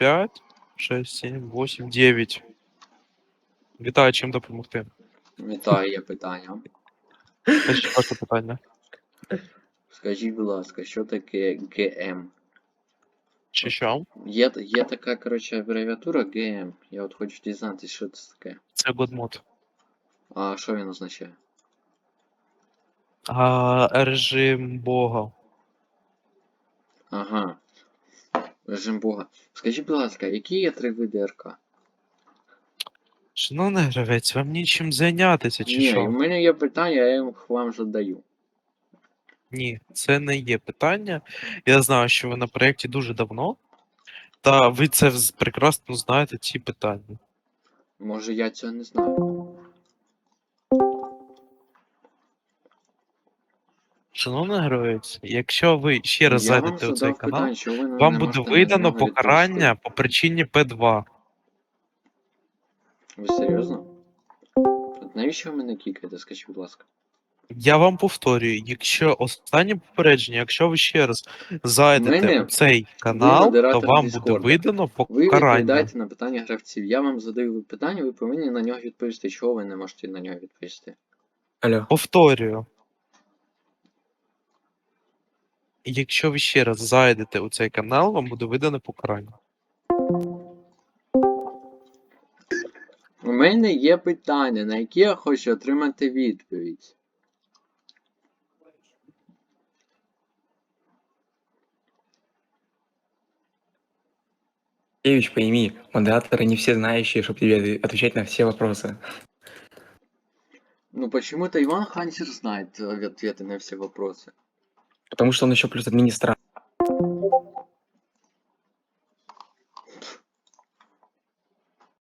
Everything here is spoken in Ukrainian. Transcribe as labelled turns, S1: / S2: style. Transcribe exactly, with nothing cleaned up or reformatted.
S1: п'ять, шість, сім, вісім, дев'ять. Вітаю, чим допомогти?
S2: Вітаю, є питання.
S1: Скажіть ваше питання.
S2: Скажіть, будь ласка, що таке ГМ?
S1: Чи що?
S2: Є, є така, коротше, абревіатура ГМ. Я от хочу дізнатися, що це таке.
S1: Це годмод.
S2: А що він означає?
S1: А, режим Бога.
S2: Ага. Режим Бога. Скажіть, будь ласка, які є три види РК?
S1: Шановний гравець, вам нічим зайнятися, чи
S2: Ні,
S1: що?
S2: у мене є питання, я їх вам задаю.
S1: Ні, це не є питання. Я знаю, що ви на проєкті дуже давно, та ви це вз- прекрасно знаєте, ці питання.
S2: Може я цього не знаю.
S1: Шановний гравець, якщо ви ще раз
S2: Я вам
S1: зайдете у цей
S2: задав
S1: канал,
S2: питання, що ви не
S1: вам буде
S2: можете на
S1: видано
S2: нього
S1: покарання
S2: відповісти.
S1: по причині Пі два.
S2: Ви серйозно? От навіщо ви мене кікаєте, скажіть, будь ласка?
S1: Я вам повторюю, якщо останнє попередження, якщо ви ще раз зайдете
S2: Мене-
S1: у цей
S2: ви
S1: канал, то
S2: модератор
S1: вам буде
S2: Діскорда.
S1: видано
S2: Ви
S1: покарання.
S2: відповідаєте на питання гравців. Я вам задаю питання, ви повинні на нього відповісти. Чого ви не можете на нього відповісти?
S3: Алло.
S1: Повторюю. Якщо ви ще раз зайдете у цей канал, вам буде видано покарання.
S2: У мене є питання, на які я хочу отримати відповідь.
S3: Евич, пойми, модераторы не все знающие, чтобы тебе отвечать на все вопросы.
S2: Ну почему-то Иван Хантер знает ответы на все вопросы.
S3: Потому что он еще плюс администратор.